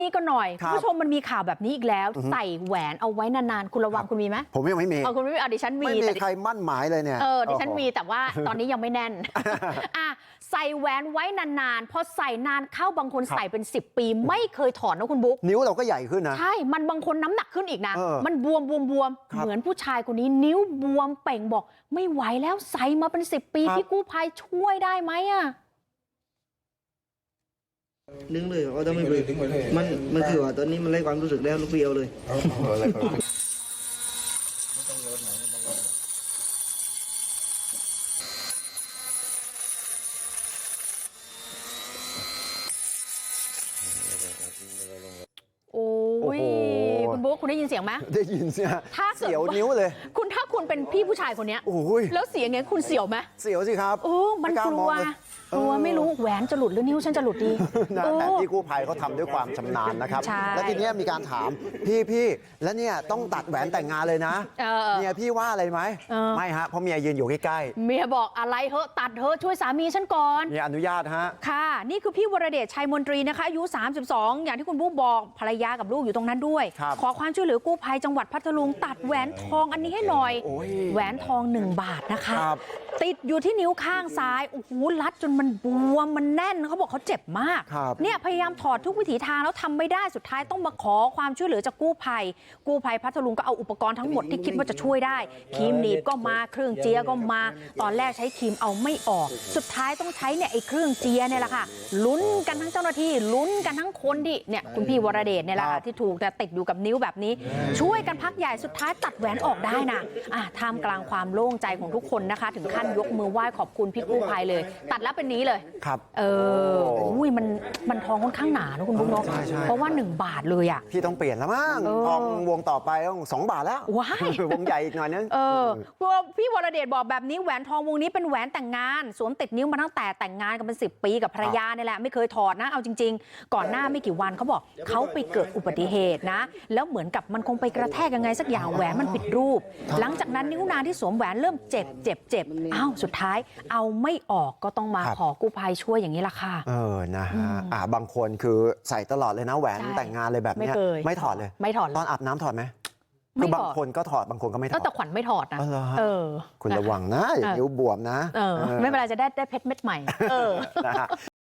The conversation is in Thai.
นี่ก็หน่อยคุณผู้ชมมันมีข่าวแบบนี้อีกแล้วใส่แหวนเอาไว้นานๆคุณระวังคุณมีไหมผมยังไม่มีคุณไม่มีดิฉันมีไม่มีใครมั่นหมายเลยเนี่ยดิฉันมีแต่ว่าตอนนี้ยังไม่แน่นใส่แหวนไว้นานๆพอใส่นานเข้าบางคนใส่เป็น10 ปีไม่เคยถอดนะคุณบุ๊กนิ้วเราก็ใหญ่ขึ้นนะใช่มันบางคนน้ำหนักขึ้นอีกนะมันบวมเหมือนผู้ชายคนนี้นิ้วบวมเป่งบอกไม่ไหวแล้วใส่มาเป็น10 ปีพี่กู้ภัยช่วยได้ไหมดึงเลยเขาต้องไม่เบรกมันคือว่าตอนนี้มันไร้ความรู้สึกแล้วลูกเดียวเลยโอ้ยคุณบุ๊คคุณได้ยินเสียงไหมได้ยินเสียงเสียวนิ้วเลยถ้าคุณเป็นพี่ผู้ชายคนนี้แล้วเสียงเงี้ยคุณเสียวไหมเสียวสิครับมันกลัวไม่รู้แหวนจะหลุดหรือนิ้วฉันจะหลุดดีแต่พี่กู้ภัยเขาทำด้วยความชำนาญนะครับแล้วทีนี้มีการถามพี่แล้วเนี่ยต้องตัดแหวนแต่งงานเลยนะเมียพี่ว่าอะไรไหมไม่ฮะเพราะเมียยืนอยู่ใกล้ๆเมียบอกอะไรเหอะตัดเหอะช่วยสามีฉันก่อนเมียอนุญาตฮะค่ะนี่คือพี่วรเดชชัยมนตรีนะคะอายุ32อย่างที่คุณบุ๊กบอกภรรยากับลูกอยู่ตรงนั้นด้วยขอความช่วยเหลือกู้ภัยจังหวัดพัทลุงตัดแหวนทองอันนี้ให้หน่อยแหวนทอง1 บาทนะคะติดอยู่ที่นิ้วข้างซ้ายโอ้โหรัดจนมันบวมมันแน่นเขาบอกเขาเจ็บมากเนี่ยพยายามถอดทุกวิถีทางแล้วทำไม่ได้สุดท้ายต้องมาขอความช่วยเหลือจากกู้ภัยพัทลุงก็เอาอุปกรณ์ทั้งหมดที่คิดว่าจะช่วยได้ครีมหนีบก็มาเครื่องเจียก็มาตอนแรกใช้ครีมเอาไม่ออกสุดท้ายต้องใช้เนี่ยไอ้เครื่องเจียเนี่ยแหละค่ะลุ้นกันทั้งเจ้าหน้าที่ลุ้นกันทั้งคนที่เนี่ยคุณพี่วรเดชเนี่ยแหละค่ะที่ถูกแต่ติดอยู่กับนิ้วแบบนี้ช่วยกันพักใหญ่สุดท้ายตัดแหวนออกได้นะท่ามกลางความโล่งใจของทุกคนนะคะถึงขั้นยกมือไหว้ขอบคุณพี่กู้ภัยเลยตัดแล้วเป็นนี้เลยครับมันทองค่อนข้างหนานะคุณบุ๊คเนาะเพราะว่า1 บาทเลยพี่ต้องเปลี่ยนแล้วมั้งทองวงต่อไปต้อง2 บาทแล้ววงใหญ่อีกหน่อยนึงพี่วรเดชบอกแบบนี้แหวนทองวงนี้เป็นแหวนแต่งงานสวมติดนิ้วมาตั้งแต่แต่งงานกันเป็น10 ปีกับภรรยานี่แหละไม่เคยถอดนะเอาจริงๆก่อนหน้าไม่กี่วันเขาบอกเขาไปเกิดอุบัติเหตุนะแล้วเหมือนกับมันคงไปกระแทกยังไงสักอย่างแหวนมันผิดรูปหลังจากนั้นนิ้วนางที่สวมแหวนเริ่มเจ็บสุดท้ายเอาไม่ออกก็ต้องมาขอกู้ภัยช่วยอย่างนี้ละค่ะนะฮะบางคนคือใส่ตลอดเลยนะแหวนแต่งงานเลยแบบนี้ไม่ถอดเลยตอนอาบน้ำถอดไหมคือบางคนก็ถอดบางคนก็ไม่ถอดแต่ขวัญไม่ถอดนะคุณระวังนะอย่านิ้วบวมนะไม่เป็นไรจะได้เพชรเม็ดใหม่